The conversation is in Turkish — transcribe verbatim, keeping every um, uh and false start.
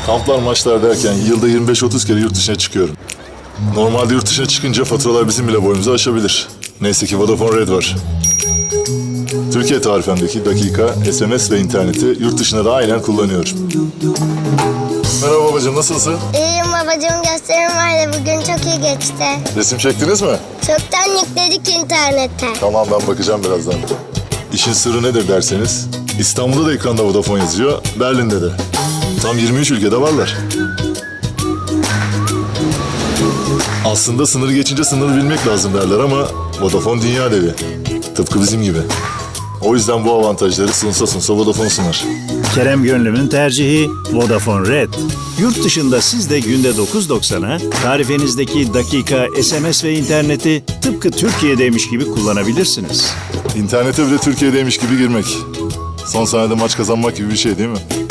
Kamplar, maçlar derken yılda yirmi beş otuz kere yurt dışına çıkıyorum. Normalde yurt dışına çıkınca faturalar bizim bile boyumuzu aşabilir. Neyse ki Vodafone Red var. Türkiye tarifemdeki dakika, S M S ve interneti yurt dışında da aynen kullanıyorum. Merhaba babacığım, nasılsın? İyiyim babacığım, gösterim vardı bugün, çok iyi geçti. Resim çektiniz mi? Çoktan yükledik internete. Tamam, ben bakacağım birazdan. İşin sırrı nedir derseniz, İstanbul'da da ekranda Vodafone yazıyor, Berlin'de de. Tam yirmi üç ülkede varlar. Aslında sınırı geçince sınırı bilmek lazım derler ama Vodafone dünya devi. Tıpkı bizim gibi. O yüzden bu avantajları sunsa sunsa Vodafone sunar. Kerem Gönlüm'ün tercihi Vodafone Red. Yurt dışında siz de günde dokuz doksana tarifenizdeki dakika, S M S ve interneti tıpkı Türkiye'deymiş gibi kullanabilirsiniz. İnternete bile Türkiye'deymiş gibi girmek. Son saniyede maç kazanmak gibi bir şey değil mi?